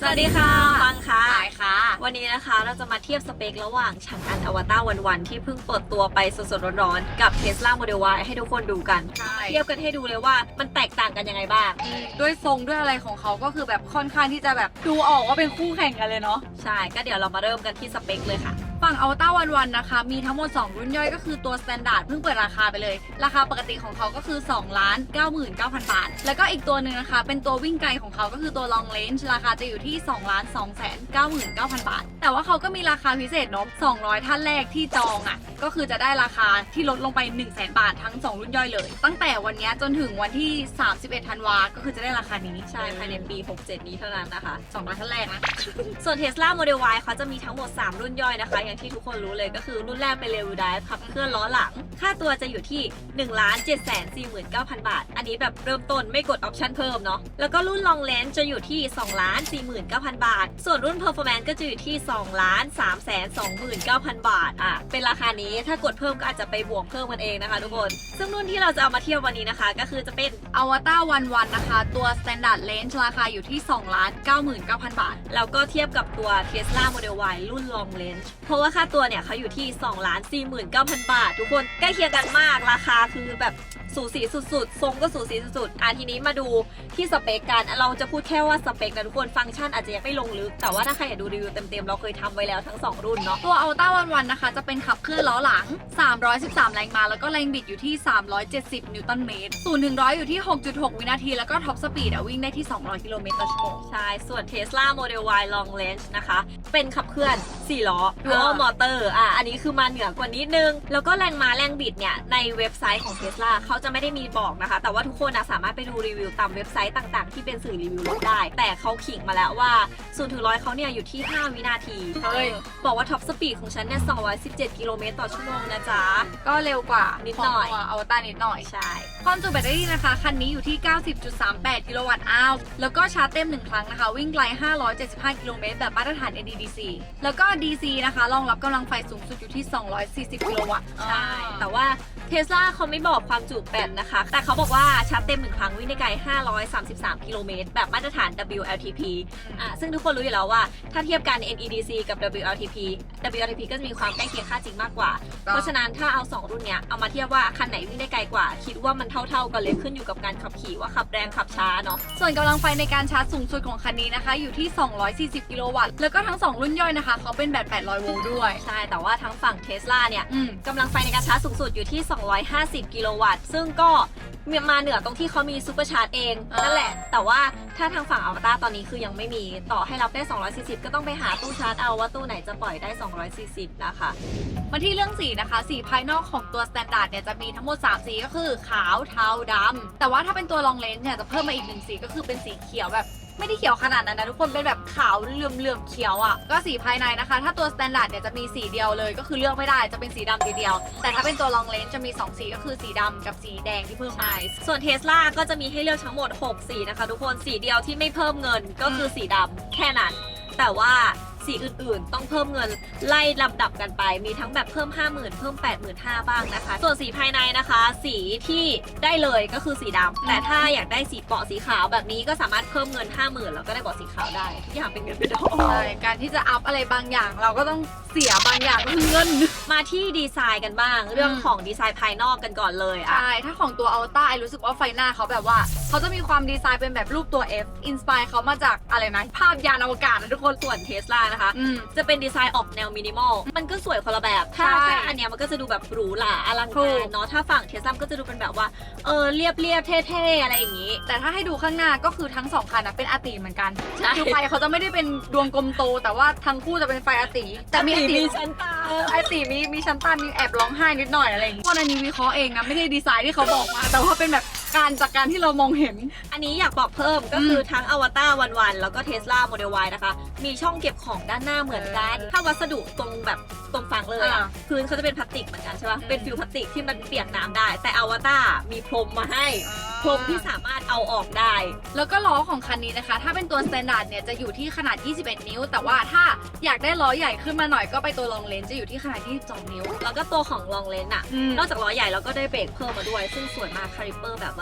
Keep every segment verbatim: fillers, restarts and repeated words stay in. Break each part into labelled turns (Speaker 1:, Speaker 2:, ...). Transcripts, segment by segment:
Speaker 1: สวัสดีค่ะฟังค่ะ
Speaker 2: ค่ะ
Speaker 1: วันนี้นะคะเราจะมาเทียบสเปคระหว่างฉางอันอวตารวันวันที่เพิ่งเปิดตัวไปสดๆร้อนๆกับ Tesla Model Y ให้ทุกคนดูกันเทียบกันให้ดูเลยว่ามันแตกต่างกันยังไงบ้าง
Speaker 2: ด้วยทรงด้วยอะไรของเขาก็คือแบบค่อนข้างที่จะแบบดูออกว่าเป็นคู่แข่งกันเลยเนาะ
Speaker 1: ใช่ก็เดี๋ยวเรามาเริ่มกันที่สเปคเลยค่ะ
Speaker 2: ฝั่งอวตารวันวันนะคะมีทั้งหมดสองรุ่นย่อยก็คือตัว Standard เพิ่งเปิดราคาไปเลยราคาปกติของเขาก็คือ สองล้านเก้าหมื่นเก้าพัน บาทแล้วก็อีกตัวหนึ่งนะคะเป็นตัววิ่งไกลของเขาก็คือตัว Long Range ราคาจะอยู่ที่ สองล้านสองแสนเก้าหมื่นเก้าพัน บาทแต่ว่าเขาก็มีราคาพิเศษเนาะสองร้อยท่านแรกที่จองอ่ะก็คือจะได้ราคาที่ลดลงไป หนึ่งแสน บาททั้งสองรุ่นย่อยเลยตั้งแต่วันนี้จนถึงวันที่สามสิบเอ็ดธันวาก็คือจะได้ราคานี้
Speaker 1: ใช่ภายในปีหกสิบเจ็ดนี้เท่านั้นนะคะ
Speaker 2: สองร้อยท่านแรกนะ
Speaker 1: ส่วน Tesla Model Y เขาจะมีทั้งหมดสามรุ่นย่อยนะคะอย่างที่ทุกคนรู้เลยก็คือรุ่นแรกเป็น Rear Wheel Drive ขับเคลื่อนล้อหลังค่าตัวจะอยู่ที่ หนึ่งล้านเจ็ดแสนสี่หมื่นเก้าพัน บาทอันนี้แบบเริ่มต้นไม่กดออปชั่นเพิ่มเนาะแล้วก็รุ่น Long Range จะอยู่ที่ สองล้านสี่หมื่นเก้าพัน บาทส่วนรุ่น Performance ก็จะอยู่ที่ สองล้านสามแสนสองหมื่นเก้าพัน บาทอ่ะเป็นราคานี้ถ้ากดเพิ่มก็อาจจะไปบวกเพิ่มกันเองนะคะทุกคนซึ่งรุ่นที่เราจะเอามาเทียบวันนี้นะคะก็คือจะเป็น
Speaker 2: Avatar วันวันนะคะตัว Standard Range ราคาอยู่ที่ สองล้านเก้าหมื่นเก้าพัน บาท
Speaker 1: แล้วก็เทียบกับตัว Tesla Model Y รุ่น Long Range เพราะว่าค่าตัวเนี่ยเขาอยู่ที่ สองล้านสี่หมื่นเก้าพัน บาททุกคนใกล้เคียงกันมากราคาคือแบบสูสีสุดๆทรงก็สูสีสุดๆอ่ะทีนี้มาดูที่สเปคกันเราจะพูดแค่ว่าสเปคนะทุกคนฟังก์ชันอาจจะยังไม่ลงลึกแต่ว่าถ้าใครอยากดูรีวิวเต็มๆเราเคยทำไว้แล้วทั้งสองรุ่นเนาะ
Speaker 2: ตัว Avatar วันวันนะคะจะเป็นขับเคลื่อนล้อหลังสามร้อยสิบสามแรงม้าแล้วก็แรงบิดอยู่ที่สามร้อยเจ็ดสิบนิวตันเมตรศูนย์ถึงหนึ่งร้อยอยู่ที่ หกจุดหก วินาทีแล้วก็ท็อปสปีดวิ่งได้ที่สองร้อยกิโลเมตรต่อชั่วโมง
Speaker 1: ใช่ส่วน Tesla Model Y Long Range นะคะเป็นขับเคลื่อนสี่ล้อ Dual Motor อ่ะอันนี้คือมาเหนือกว่านิดนึงแล้วก็แรงม้าแรงบิดเนี่ยในเว็บไซต์ของ Tesla เขาจะไม่ได้มีบอกนะคะแต่ว่าทุกคนนะสามารถไปดูรีวิวตามเว็บไซต์ต่างๆที่เป็นสื่อรีวิวรถได้แต่เขาขิงมาแล้วว่าศูนย์ถึงร้อยเขาเนี่ยอยู่ที่ห้าวินาทีเฮ้ยบอกว่าท็อปสปีดของฉันเนี่ยสองร้อยสิบเจ็ดกิโลเมตรต่อชั่วโมงนะจ๊ะ
Speaker 2: ก็เร็วกว่า
Speaker 1: นิดหน่อย
Speaker 2: อวตารนิดหน่อย
Speaker 1: ใช่
Speaker 2: ความจุแบตเตอรี่นะคะคันนี้อยู่ที่ เก้าสิบจุดสามแปด กิโลวัตต์อาวร์แล้วก็ชาร์จเต็มหนึ่งครั้งนะคะวิ่งไกลห้าร้อยเจ็ดสิบห้ากิโลเมตรแบบมาตรฐาน เอ ดี ดี ซี แล้วก็ ดี ซี นะคะรองรับกำลังไฟสูงสุดอยู่ที่สองร้อยสี่สิบกิโลวัตต์
Speaker 1: ใช่แต่ว่าTesla เขาไม่บอกความจุแบตนะคะแต่เขาบอกว่าชาร์จเต็มหนึ่งครั้งวิ่งได้ไกลห้าร้อยสามสิบสามกิโลเมตรแบบมาตรฐาน ดับเบิลยู แอล ที พี อ่ะซึ่งทุกคนรู้อยู่แล้วว่าถ้าเทียบกัน เอ็น อี ดี ซี กับ ดับเบิลยู แอล ที พี ดับเบิลยู แอล ที พี ก็จะมีความใกล้เคียงค่าจริงมากกว่าเพราะฉะนั้นถ้าเอาสองรุ่นเนี้ยเอามาเทียบว่าคันไหนวิ่งได้ไกลกว่าคิดว่ามันเท่าๆกันเลยขึ้นอยู่กับการขับขี่ว่าขับแรงขับช้าเนาะ
Speaker 2: ส่วนกำลังไฟในการชาร์จสูงสุดของคันนี้นะคะอยู่ที่สองร้อยสี่สิบกิโลวัตต์แล้วก็ทั้งสองรุ่นย่อยนะคะเขาเป็นแบตแปดร้อยโวลต์ด้วย
Speaker 1: ใช่แต่ว่าทั้งฝั่ง Tesla เนี่ยกำลังไฟในการชาร์จสูงสุดอยู่ที่สองร้อยห้าสิบกิโลวัตต์ซึ่งก็มาเหนือตรงที่เขามีซูเปอร์ชาร์จเองนั่นแหละแต่ว่าถ้าทางฝั่งอวตารตอนนี้คือยังไม่มีต่อให้รับได้สองร้อยสี่สิบก็ต้องไปหาตู้ชาร์จเอาว่าตู้ไหนจะปล่อยได้สองร้อยสี่สิบนะคะ
Speaker 2: มาที่เรื่องสีนะคะสีภายนอกของตัว Standard เนี่ยจะมีทั้งหมดสามสีก็คือขาวเทาดำแต่ว่าถ้าเป็นตัว Long Range เนี่ยจะเพิ่มมาอีกหนึ่งสีก็คือเป็นสีเขียวแบบไม่ได้เขียวขนาดนั้นนะทุกคนเป็นแบบขาวเหลื่อมๆเขียวอ่ะก็สีภายในนะคะถ้าตัว Standard เนี่ยจะมีสีเดียวเลยก็คือเลือกไม่ได้จะเป็นสีดำสีเดียวแต่ถ้าเป็นตัว Long Range จะมีสองสีก็คือสีดำกับสีแดงที่เพิ่มมา
Speaker 1: ส่วน Tesla ก็จะมีให้เลือกทั้งหมดหกสีนะคะทุกคนสีเดียวที่ไม่เพิ่มเงินก็คือสีดำแค่นั้นแต่ว่าสีอื่นๆต้องเพิ่มเงินไล่ลำดับกันไปมีทั้งแบบเพิ่ม ห้าหมื่น เพิ่ม แปดหมื่นห้าพัน บ้างนะคะส่วนสีภายในนะคะสีที่ได้เลยก็คือสีดำแต่ถ้าอยากได้สีเบาะสีขาวแบบนี้ก็สามารถเพิ่มเงิน ห้าหมื่น แล้วก็ได้เบาะสีขาวได้ทุกอย่างเป็นเงินเป็นทอง
Speaker 2: ใช่การที่จะอัพอะไรบางอย่างเราก็ต้องเสียบางอย่างก็คือเงิน
Speaker 1: มาที่ดีไซน์กันบ้างเรื่องของดีไซน์ภายนอกกันก่อนเลยอ่ะ
Speaker 2: ใช่ถ้าของตัว Alta รู้สึกว่าไฟหน้าเขาแบบว่าเขาจะมีความดีไซน์เป็นแบบรูปตัว F อินสไปร์เขามาจากอะไรนะภาพยานอวกาศนะทุกคน
Speaker 1: ส่วน Tesla นะคะจะเป็นดีไซน์ออกแนวมินิมอลมันก็สวยคนละแบบถ้าถ้าอันเนี้ยมันก็จะดูแบบหรูหราอลังการเนาะถ้าฝั่ง Tesla ก็จะดูเป็นแบบว่าเออเรียบเรียบเท่ๆอะไรอย่างงี้
Speaker 2: แต่ถ้าให้ดูข้างหน้าก็คือทั้งสองคันนะเป็นอาติเหมือนกันคือไฟเขาจะไม่ได้เป็นดวงกลมโตแต่ว่าทั้งคู่จะเป็นไฟอาติแต่มีอาติ
Speaker 1: มีชั้นตา
Speaker 2: อาติมีมีชั้นตามีแอบร้องไห้นิดหน่อยอะไรอย่างงี้พวกอันนี้วิเคราะห์เองนะไม่ได้ดีไซน์ที่เขาบอกมาแต่ว่าเป็นแบบการจากการที่เรามองเห็น
Speaker 1: อันนี้อยากบอกเพิ่มก็คือทั้งอวตารวันวันแล้วก็ Tesla Model Y นะคะมีช่องเก็บของด้านหน้าเหมือนกันถ้าวัสดุตรงแบบตรงฝั่งเลยอ่ะพื้นเขาจะเป็นพลาสติกเหมือนกันใช่ป่ะเป็นฟิวพลาสติกที่มันเปียกน้ำได้แต่อวตารมีพรมมาให้พรมที่สามารถเอาออกได้
Speaker 2: แล้วก็ล้อของคันนี้นะคะถ้าเป็นตัว Standard เนี่ยจะอยู่ที่ขนาดยี่สิบเอ็ดนิ้วแต่ว่าถ้าอยากได้ล้อใหญ่ขึ้นมาหน่อยก็ไปตัว Long Range จะอยู่ที่ขนาดยี่สิบสองนิ้ว
Speaker 1: แล้วก็ตัวของ Long Range อ่ะนอกจากล้อใหญ่แล้วก็ได้เบรกเพิ่มมาด้วยซึ่งสวยมากคาลิเปอร์แบบว่า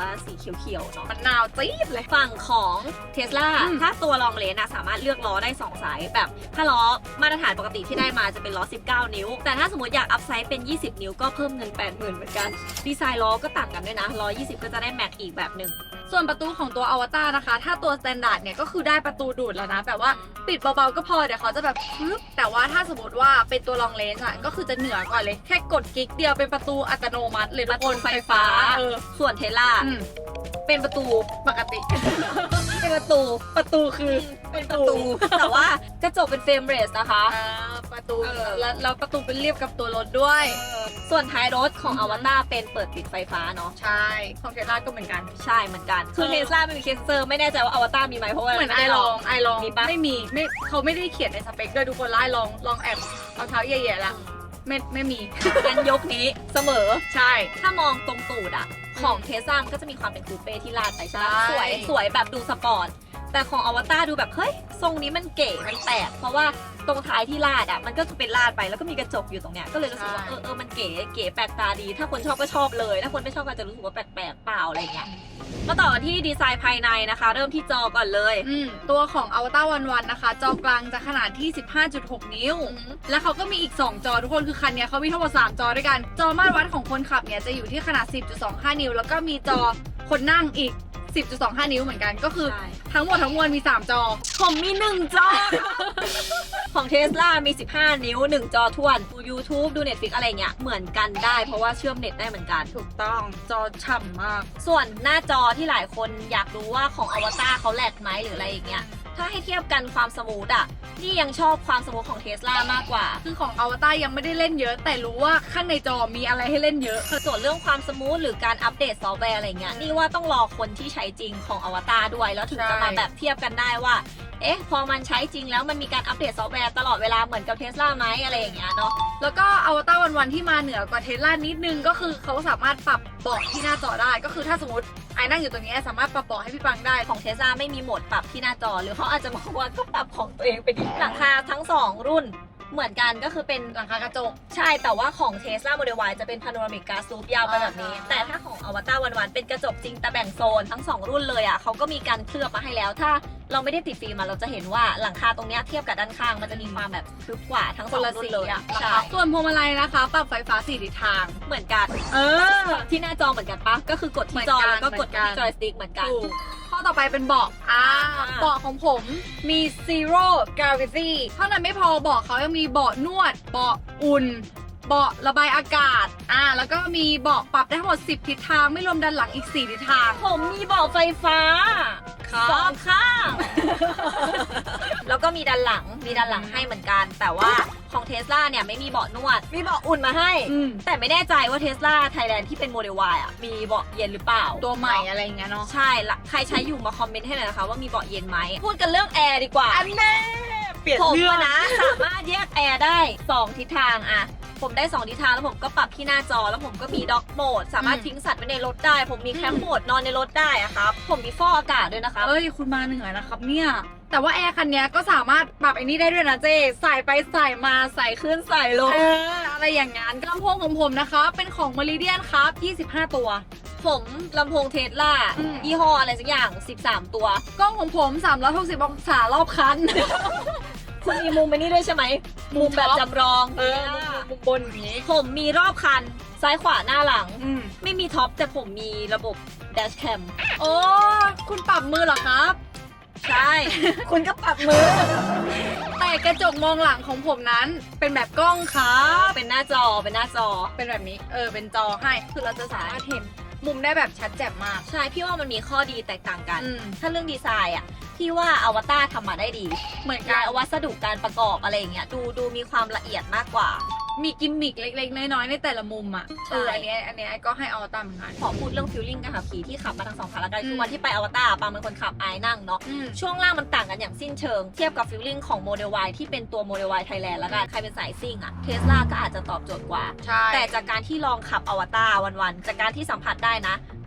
Speaker 1: ว่าสีเขียวๆเนาะ
Speaker 2: มันนาวจี๊ดเลย
Speaker 1: ฝั่งของ Tesla
Speaker 2: อืม
Speaker 1: ถ้าตัวลองเลนนะสามารถเลือกล้อได้สองไซส์แบบถ้าล้อมาตรฐานปกติที่ได้มาจะเป็นล้อสิบเก้านิ้วแต่ถ้าสมมติอยากอัพไซส์เป็นยี่สิบนิ้วก็เพิ่มเงิน แปดหมื่น เหมือนกันดีไซน์ล้อก็ต่างกันด้วยนะล้อยี่สิบก็จะได้แม็กอีกแบบหนึ่ง
Speaker 2: ส่วนประตูของตัวอวตารนะคะถ้าตัวสแตนดาร์ดเนี่ยก็คือได้ประตูดูดแล้วนะแบบว่าปิดเบาๆก็พอเดี๋ยวเขาจะแบบปึ๊บแต่ว่าถ้าสมมติว่าเป็นตัวลองเลนส์อะก็คือจะเหนือกว่าเลยแค่กดกิ๊กเดียวเป็นประตูอัตโนมัติเลย
Speaker 1: ประตูไฟฟ้า
Speaker 2: เออ
Speaker 1: ส่วนเทสลา
Speaker 2: อืม
Speaker 1: เป็นประตู
Speaker 2: ปกติ
Speaker 1: เป็นประตู
Speaker 2: ประตูคือ
Speaker 1: เป็นประตู แต่ว่ากระจกเป็นเฟรมเรสนะคะ
Speaker 2: อ่าประตู
Speaker 1: เออ
Speaker 2: แล้วแล้วประตูเป็นเรียบกับตัวรถด้วย
Speaker 1: ส่วนท้ายรถของ
Speaker 2: อื
Speaker 1: อ
Speaker 2: อฮึ
Speaker 1: วตารเป็นเปิดปิดไฟฟ้าเนาะ
Speaker 2: ใช่ของเทสลาก็เหมือนกัน
Speaker 1: ใช่เหมือนกัน คือ
Speaker 2: เออ
Speaker 1: เทสลาไม่มีเคสเซอร์ไม่แน่ใจว่าอวตารมีไหมเพราะว่า
Speaker 2: เหมือนไอ
Speaker 1: ด้
Speaker 2: ลองไอลอง
Speaker 1: มีปะ
Speaker 2: ไม่มีไม่เขาไม่ได้เขียนในสเปคด้วยทุกคนไล่ลองลองแอบเอาเท้าแย่ๆละไม่ไม่มี
Speaker 1: กันยกนี้เสมอ
Speaker 2: ใช่
Speaker 1: ถ้ามองตรงตูดอะของเทสลามันก็จะมีความเป็นคูเป้ที่ลาดไปใช่ไหม
Speaker 2: ใช่
Speaker 1: สวยสวยแบบดูสปอร์ต แต่ของอวตารดูแบบเฮ้ยทรงนี้มันเก๋มันแปลกเพราะว่าตรงท้ายที่ลาดอะมันก็จะเป็นลาดไปแล้วก็มีกระจกอยู่ตรงเนี้ยก็เลยรู้สึกว่าเออเออมันเก๋เก๋แปลกตาดี ถ้าคนชอบก็ชอบเลย ถ้าคนไม่ชอบก็จะรู้สึกว่าแปลกๆเปล่าอะไรเงี้ยมาต่อกันที่ดีไซน์ภายในนะคะ เริ่มที่จอก่อนเลย
Speaker 2: อืมตัวของ Avatar วันวันนะคะ จอกลางจะขนาดที่ สิบห้าจุดหก นิ้ว แล้วเขาก็มีอีก สอง จอทุกคนคือคันเนี้ยเขามีทั้งหมด สาม จอด้วยกัน จอมาตรวัดของคนขับเนี่ยจะอยู่ที่ขนาด สิบจุดสองห้า นิ้ว แล้วก็มีจอคนนั่งอีก สิบจุดสองห้า นิ้วเหมือนกันก็คือ
Speaker 1: ใช่
Speaker 2: ทั้งหมดทั้งมวลมี สาม จอ
Speaker 1: ผมมีหนึ่งจอ ของเทสลามี สิบห้า นิ้ว หนึ่ง จอท้วนดู YouTube ดู Netflix อะไรเงี้ยเหมือนกันได้เพราะว่าเชื่อมเน็ตได้เหมือนกัน
Speaker 2: ถูกต้องจอฉ่ำมาก
Speaker 1: ส่วนหน้าจอที่หลายคนอยากรู้ว่าของอวตารเขาแหลกไหมหรืออะไรอย่างเงี้ย ถ้าให้เทียบกันความสมูทอะนี่ยังชอบความสมูทของเทสลามากกว่า
Speaker 2: คือของ Avatar ยังไม่ได้เล่นเยอะ แต่รู้ว่าข้างในจอมีอะไรให้เล่นเยอะ
Speaker 1: ส่วนเรื่องความสมูทหรือการอัปเดตซอฟต์แวร์อะไรเงี้ยนี่ว่าต้องรอคนที่ใช้จริงของอวตารด้วย แล้วถึงจะมา
Speaker 2: ใช่
Speaker 1: แบบเทียบกันได้ว่า เอ๊ะ พอมันใช้จริงแล้วมันมีการอัปเดตซอฟต์แวร์ตลอดเวลาเหมือนกับเทสลาไหมอะไรอย่างเงี้ยเนาะ
Speaker 2: แล้วก็อวตารวันวันที่มาเหนือกว่าเทสลานิดนึงก็คือเขาสามารถปรับเบาะที่หน้าจอได้ ก็คือถ้าสมมติไอ้นั่งอยู่ตรงนี้สามารถปรับเบาะให้พี่ปังได้
Speaker 1: ของเทสลาไม่มีโหมดปรับที่หน้าจอ หรือเขาอาจจะบอกว่าก็ปรับของตัวเองไปดิหลังคาทั้งสองรุ่นเหมือนกันก็คือเป็น
Speaker 2: หลังคากระจก
Speaker 1: ใช่แต่ว่าของ Tesla Model Y จะเป็น Panoramic Glass Roof ยาวไปแบบนี้
Speaker 2: อ่า
Speaker 1: แต่ถ้าของ Avatar วันๆเป็นกระจกจริงแต่แบ่งโซนทั้งสองรุ่นเลยอ่ะเขาก็มีการเคลือบมาให้แล้ว ถ้าเราไม่ได้ติดฟิล์มมาเราจะเห็นว่าหลังคาตรงเนี้ยเทียบกับด้านข้างมันจะมีความแบบทึบกว่าทั้งส
Speaker 2: ค
Speaker 1: อน ง
Speaker 2: ละ
Speaker 1: รุ่
Speaker 2: สี
Speaker 1: นเลย
Speaker 2: อะ
Speaker 1: ใช่
Speaker 2: ส่วนพวงมาลัยนะคะ ปรับไฟฟ้าสี่ทิศทาง
Speaker 1: เหมือนกัน
Speaker 2: เออ
Speaker 1: ที่หน้าจอเหมือนกันปะก็คือกดที่จอ
Speaker 2: เหมือนกัน
Speaker 1: แล้วก็กด
Speaker 2: เหมือนกัน
Speaker 1: ที่จอยสติ๊กเหมือนกัน
Speaker 2: ถูกข้อต่อไปเป็นเบาะอ่า
Speaker 1: อ่า
Speaker 2: เบาะของผมมี zero gravity เท่านั้นไม่พอเบาะเขายังมีเบาะนวด เบาะอุ่น เบาะระบายอากาศ อ่า แล้วก็มีเบาะปรับได้ทั้งหมด สิบ ทิศทาง ไม่รวมด้านหลังอีก สี่ ทิศทาง
Speaker 1: ผมมีเบาะไฟฟ้า
Speaker 2: ครับ
Speaker 1: สองข้าง แล้วก็มีด้านหลังมีด้านหลังให้เหมือนกัน แต่ว่าของเทสลาเนี่ยไม่มีเบาะนวด มีเบาะอุ่นมาให้
Speaker 2: อืม
Speaker 1: แต่ไม่แน่ใจว่าเทสลาไทยแลนด์ที่เป็นโมเดล Y อ่ะมีเบาะเย็นหรือเปล่า
Speaker 2: ตัวใหม่อะไรอย่างเงี้ยเนาะ
Speaker 1: ใช่ละใครใช้อยู่มาคอมเมนต์ให้หน่อยนะคะว่ามีเบาะเย็นไหม พูดกันเรื่องแอร์ดีกว่า
Speaker 2: อันแน่เปลี่ยน
Speaker 1: ผม
Speaker 2: เรื่อง
Speaker 1: อะนะสามารถแยกแอร์ได้สองทิศทางอะผมได้สองทิศทางแล้วผมก็ปรับที่หน้าจอแล้วผมก็มีด็อกโหมด สามารถทิ้งสัตว์ไว้ในรถได้ ผมมีแคมป์โหมดนอนในรถได้อะครับ ผมมีฟอกอากาศด้วยนะคะ
Speaker 2: เอ้ย คุณมาเหนื่อยนะครับเนี่ย แต่ว่าแอร์คันเนี้ยก็สามารถปรับไอ้นี่ได้ด้วยนะเจใส่ไปใส่มาใส่ขึ้นใส่ลง
Speaker 1: เออ
Speaker 2: อะไรอย่างงั้นลำโพงของผมนะคะ เป็นของ Meridian ครับ ยี่สิบห้า ตัว
Speaker 1: ผมลำโพงเทสลา
Speaker 2: อืม
Speaker 1: ยี่ห้ออะไรสักอย่างสิบสามตัว
Speaker 2: กล้องของผม สามร้อยหกสิบ องศารอบคัน
Speaker 1: คุณมีมุมไปนี่ด้วยใช่ไหม มุมแบบจำลอง
Speaker 2: เออมุมบนอย่างนี้
Speaker 1: ผมมีรอบคันซ้ายขวาหน้าหลัง
Speaker 2: อืม
Speaker 1: ไม่มีท็อปแต่ผมมีระบบ dash cam
Speaker 2: โอ้คุณปรับมือเหรอครับ
Speaker 1: ใช่ คุณก็ปรับมือ
Speaker 2: แต่กระจกมองหลังของผมนั้น เป็นแบบกล้องครับ
Speaker 1: เป็นหน้าจอเป็นหน้าจอ
Speaker 2: เป็นแบบนี้ เออ เป็นจอให้ คือเราจะสามารถเห็นมุมได้แบบชัดแจ่มมาก
Speaker 1: ใช่ พี่ว่ามันมีข้อดีแตกต่างกัน
Speaker 2: อืม
Speaker 1: ถ้าเรื่องดีไซน์อ่ะ พี่ว่าอวตารทำมาได้ดี
Speaker 2: เหมือนกั
Speaker 1: และ
Speaker 2: น
Speaker 1: วัสดุการประกอบอะไรอย่างเงี้ย ดูดูมีความละเอียดมากกว่า
Speaker 2: มีกิมมิกเล็กๆ น้อยๆ ในแต่ละมุมอ่ะ
Speaker 1: ใช่
Speaker 2: เอออันเนี้ยอันเนี้ยก็ให้เอาตามเหมือนกัน
Speaker 1: ขอพูดเรื่องฟิลลิ่งการขับขี่ที่ขับมาทั้งสองคันละกัน
Speaker 2: อืม
Speaker 1: คือวันที่ไปอวตารปางเป็นคนขับไอ้นั่งเนาะ
Speaker 2: อืม
Speaker 1: ช่วงล่างมันต่างกันอย่างสิ้นเชิง เทียบกับฟิลลิ่งของโมเดล Y ที่เป็นตัวโมเดล Y Thailand แล้วกัน ใครเป็นสายซิ่งอะเทสลาก็อาจจะตอบโจทย์กว่า
Speaker 2: ใช่
Speaker 1: แต่จากการที่ลองขับอวตารวันๆ จากการที่สัมผัสได้นะ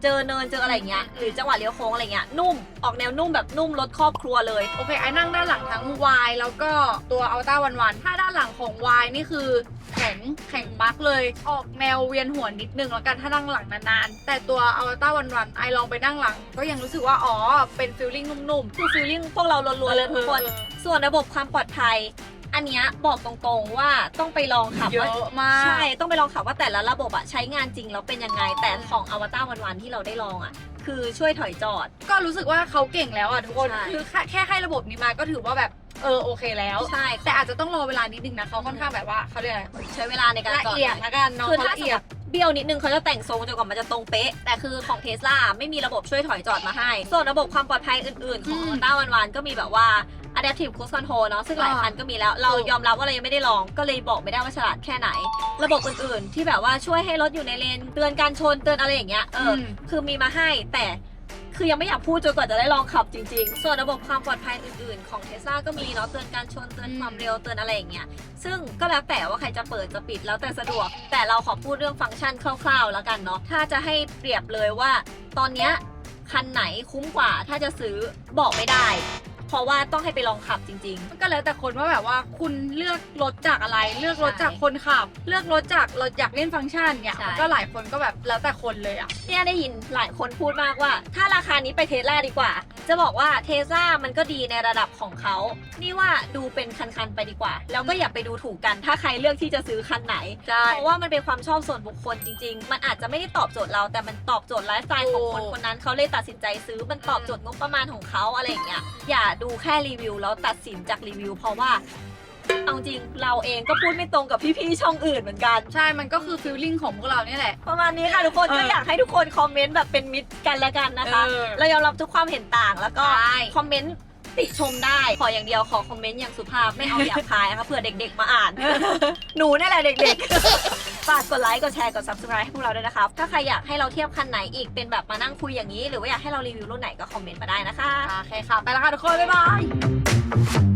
Speaker 1: เจอเนินเจออะไรเงี้ยหรือจังหวะเลี้ยวโค้งอะไรเงี้ยนุ่มออกแนวนุ่มแบบนุ่มรถครอบครัวเลย
Speaker 2: โอเคไอ้นั่งด้านหลังทั้ง Y แล้วก็ตัว Alta วันวันถ้าด้านหลังของ Y นี่คือแข็งแข็งปักเลยออกแนวเวียนหัวนิดนึงแล้วกันถ้านั่งหลังนานๆแต่ตัว Alta วันวันไอลองไปนั่งหลังก็ยังรู้สึกว่าอ๋อเป็นฟีลลิ่งนุ่มๆ
Speaker 1: คือฟีลลิ่งพวกเราล้วนๆเลยทุกคน
Speaker 2: เออ
Speaker 1: ส่วนระบบความปลอดภัยอันเนี้ยบอกตรงๆว่าต้องไปลองขับ
Speaker 2: เย
Speaker 1: ว่า
Speaker 2: อะมาก
Speaker 1: ใช่ต้องไปลองขับว่าแต่ละระบบอะใช้งานจริงแล้วเป็นยังไงแต่ของอวตารวันๆที่เราได้ลองอะคือช่วยถอยจอด
Speaker 2: ก็รู้สึสึกว่าเขาเก่งแล้วอ่ะทุกคน
Speaker 1: ใช่
Speaker 2: คือแค่แค่ให้ระบบนี้มาก็ถือว่าแบบเออโอเคแล้ว
Speaker 1: ใช่
Speaker 2: แต่อาจจะต้องรอเวลานิดนึงนะเขาค่อนข้างแบบว่าเขาเรียกอะไร
Speaker 1: ใช้เวลาในการ
Speaker 2: ละ
Speaker 1: จอด
Speaker 2: เอียดละกันเนาะ
Speaker 1: คือ
Speaker 2: เขา
Speaker 1: ถ้า
Speaker 2: ละ
Speaker 1: สม
Speaker 2: เอี
Speaker 1: ม
Speaker 2: ยด
Speaker 1: ติเบี้ยวนิดนึงเขาจะแต่งทรงจนกว่ามันจะตรงเป๊ะแต่คือของเทสลาไม่มีระบบช่วยถอยจอดมาให้ ส่วนระบบความปลอดภัยอื่นๆ ของ
Speaker 2: อืม
Speaker 1: อวตารวันๆก็มีแบบว่า adaptive cruise control เนาะซึ่งหลาย
Speaker 2: อ่า
Speaker 1: คันก็มีแล้วเรา
Speaker 2: ถูก
Speaker 1: ยอมรับว่าเรายังไม่ได้ลองก็เลยบอกไม่ได้ว่าฉลาดแค่ไหน ระบบอื่นๆ ที่แบบว่าช่วยให้รถอยู่ในเลนเตือนการชนเตือนอะไรอย่างเงี้ยเอออ
Speaker 2: ม
Speaker 1: คือมีมาให้แต่คือยังไม่อยากพูดจนกว่าจะได้ลองขับจริงๆ ส่วนระบบความปลอดภัยอื่นๆ ของ Tesla ก็มีเนาะเตือนการชนเตือนความเร็วเตือนอะไรอย่างเงี้ยซึ่งก็แล้วแต่ว่าใครจะเปิดจะปิดแล้วแต่สะดวก แต่เราขอพูดเรื่องฟังก์ชันคร่าวๆแล้วกันเนาะถ้าจะให้เปรียบเลยว่า ตอนเนี้ยคันไหนคุ้มกว่าถ้าจะซื้อบอกไม่ได้ เพราะว่าต้องให้ไปลองขับจริง ๆ
Speaker 2: ก็แล้วแต่คนว่าแบบว่าคุณเลือกรถจากอะไร เลือกรถ
Speaker 1: ใช่
Speaker 2: จากคนขับ เลือกรถจากรถอยากเล่นฟังก์ชันเนี่ย
Speaker 1: ใช่
Speaker 2: มันก็หลายคนก็แบบแล้วแต่คนเลยอ่ะ
Speaker 1: เนี่ยได้ยินหลายคนพูดมากว่า ถ้าราคานี้ไปเทสลาดีกว่า จะบอกว่าเทสลามันก็ดีในระดับของเขา นี่ว่าดูเป็นคันๆไปดีกว่า แล้วก็อย่าไปดูถูกกัน ถ้าใครเลือกที่จะซื้อคันไหน
Speaker 2: ใช่
Speaker 1: เพราะว่ามันเป็นความชอบส่วนบุคคลจริง ๆ มันอาจจะไม่ได้ตอบโจทย์เรา แต่มันตอบโจทย์ไลฟ์สไตล์ของคนคนนั้นเขาเลยตัดสินใจซื้อ มันตอบโจทย์งบประมาณของเขาอะไรอย่างเงี้ย อย่าดูแค่รีวิวแล้วตัดสินจากรีวิว เพราะว่าเอาจริงเราเองก็พูดไม่ตรงกับพี่ๆช่องอื่นเหมือนกัน
Speaker 2: ใช่ มันก็คือฟีลลิ่งของพวกเราเนี่ยแหละ
Speaker 1: ประมาณนี้ค่ะทุกคน
Speaker 2: เออ
Speaker 1: ก็อยากให้ทุกคนคอมเมนต์แบบเป็นมิตรกันและกันนะคะ
Speaker 2: เออ
Speaker 1: เรายอมรับทุกความเห็นต่างแล้วก็
Speaker 2: ใช่
Speaker 1: คอมเมนต์ติชมได้ ขออย่างเดียวขอคอมเมนต์อย่างสุภาพไม่เอาหยาบคายนะคะเผื่อเด็กๆมาอ่าน หนูนี่แหละเด็กๆ ฝากกดไลค์กดแชร์กด subscribe ให้พวกเราด้วยนะครับ ถ้าใครอยากให้เราเทียบคันไหนอีกเป็นแบบมานั่งคุยอย่างนี้ หรือว่าอยากให้เรารีวิวรุ่นไหนก็คอมเมนต์มาได้นะคะ
Speaker 2: โอเคค่ะ ไปแล้วค่ะทุกคน บ๊ายบาย